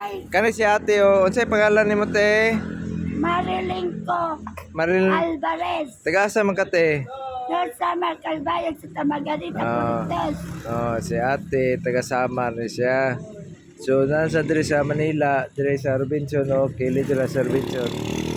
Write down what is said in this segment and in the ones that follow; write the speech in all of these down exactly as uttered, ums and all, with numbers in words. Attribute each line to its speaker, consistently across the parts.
Speaker 1: Kani si ate o. Unsay pangalan nimo te?
Speaker 2: Mariling ko,
Speaker 1: Maril.
Speaker 2: Alvarez.
Speaker 1: Taga asa man ka te?
Speaker 2: North Samar, Calbayog sa Tamagarita,
Speaker 1: Ah.
Speaker 2: Cortes.
Speaker 1: Oh, si ate taga Samar ni siya. So nasa diri sa Manila, diri sa Robinson o kili diri sa Robinson.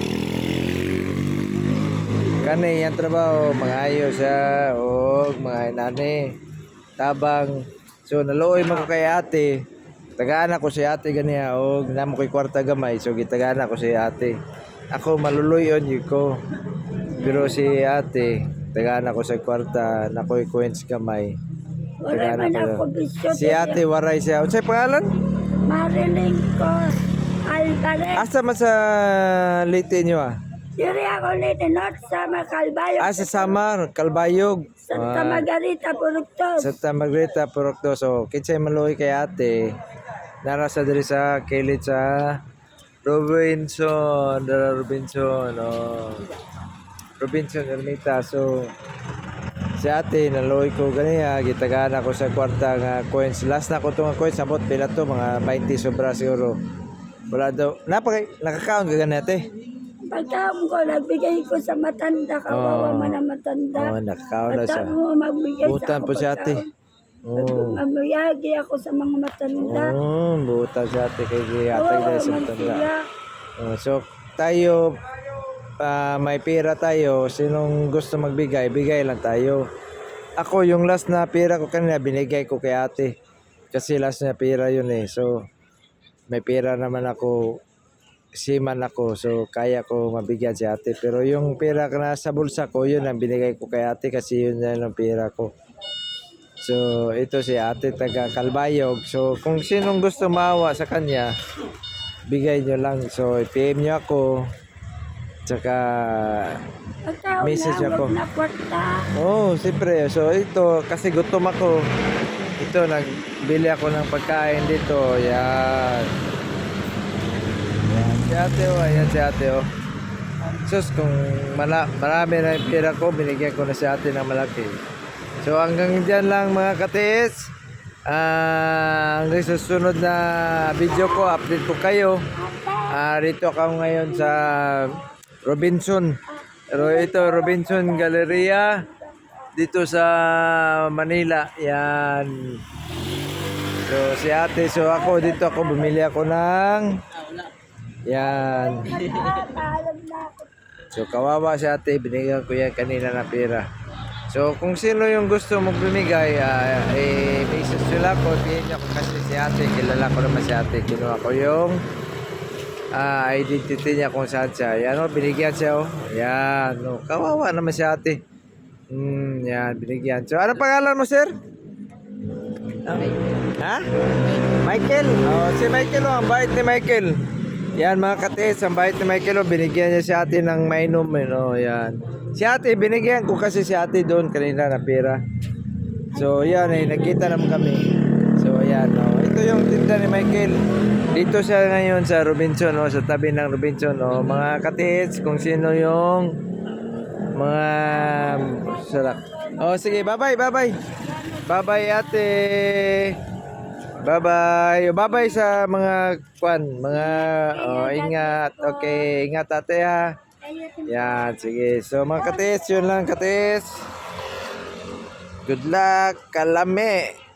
Speaker 1: Kani yang trabaho mga ayo siya o mga inani tabang. So naluoy man ko kay ate. Tagaan ako si ate ganiya o namo ko'y kwarta gamay so gitagaan ako si ate. Ako maluluyon yun ko. Pero si ate tagaan ako sa kwarta na ko'y coins gamay.
Speaker 2: Wala man ako bisyo.
Speaker 1: Si ate waray siya. Unsay pangalan?
Speaker 2: Mariling ko, Alvarez.
Speaker 1: Asa man sa Leyte niyo ah?
Speaker 2: Diri ako ulit, North Samar, Calbayog.
Speaker 1: Ah, sa Samar, Calbayog.
Speaker 2: Sa
Speaker 1: Ah,
Speaker 2: Tamagarita, Cortes.
Speaker 1: Santa Margarita, Purokto. So, kinsay maluoy kay ate. Narasa diri sa kilid sa Robinson, Dara Robinson, oh. Robinson Ermita. So, si ate naluoy ko ganiya, gitagaan ako sa kwarta nga coins. Last na ko itong coins, sabot pila to mga twenty sobra siguro. Wala daw. Napaka nakakaon ka gani ate.
Speaker 2: Pagkaon ko, nagbigay ko sa matanda, kawawa man ang matanda.
Speaker 1: Oh, nakakaon na siya.
Speaker 2: At mo magbigay
Speaker 1: Butan
Speaker 2: sa
Speaker 1: po si ate. Oh.
Speaker 2: Mamuyagi ako sa mga matanda.
Speaker 1: Oh, buta si ate kay ate
Speaker 2: Kawawa
Speaker 1: dahil sa
Speaker 2: man
Speaker 1: matanda.
Speaker 2: sila.
Speaker 1: Oh, so tayo ah, may pera tayo, sinong gusto magbigay, bigay lang tayo. Ako yung last na pera ko kanina binigay ko kay ate. Kasi last na pera yun eh. So may pera naman ako, siman ako, so kaya ko mabigyan si ate. Pero yung pera na sa bulsa ko, yun ang binigay ko kay ate kasi yun na yung pera ko. So ito si ate taga Calbayog. So kung sinong gusto maawa sa kanya, bigay nyo lang. So i-P M nyo ako. Tsaka
Speaker 2: Pagkaon
Speaker 1: message
Speaker 2: na,
Speaker 1: ako.
Speaker 2: wag na kwarta.
Speaker 1: Oh, siyempre. So ito, kasi gutom ako. Ito, nagbili ako ng pagkain dito. Yan. Yan. Si ate oh, ayan si ate oh. Sus, kung mala marami na yung pera ko, binigyan ko na si ate ng malaki. So hanggang dyan lang mga katiis. Ah, hanggang sa susunod na video ko, update ko kayo. Ah, rito ako ngayon sa Robinson. Pero ito Robinson Galleria dito sa Manila. Yan. So si ate, so ako dito ako bumili ako ng yan.
Speaker 2: Paalam na ako.
Speaker 1: So kawawa si ate, binigyan ko yan kanina na pera. So kung sino yung gusto mong bumigay, uh, eh, message nila ko, tingin ako kasi si ate, kilala ko naman si ate, kinuha ko yung uh, identity niya kung saan siya. Yan o, binigyan siya o. Yan o, kawawa naman si ate. Hmm, yan, binigyan. So ano pangalan mo sir? Ha? Michael? Oh, si Michael o, ang bait ni Michael. Yan mga katiis, ang bait ni Michael o, binigyan niya si ate ng mainom. Oh, yan. Si ate, binigyan ko kasi si ate doon kanina na pera. So, yan eh, nagkita naman kami. So, yan. Oh. Ito yung tinda ni Michael. Dito siya ngayon sa Robinson, oh, sa tabi ng Robinson. Oh. Mga katiits, kung sino yung mga sarap. Oh, sige, bye-bye, bye-bye. Bye-bye, ate. Bye-bye. Bye-bye sa mga kwan, mga oh, ingat. Okay, ingat ate ha. Yan, sige. So mga katis, yun lang katis. Good luck, kalame.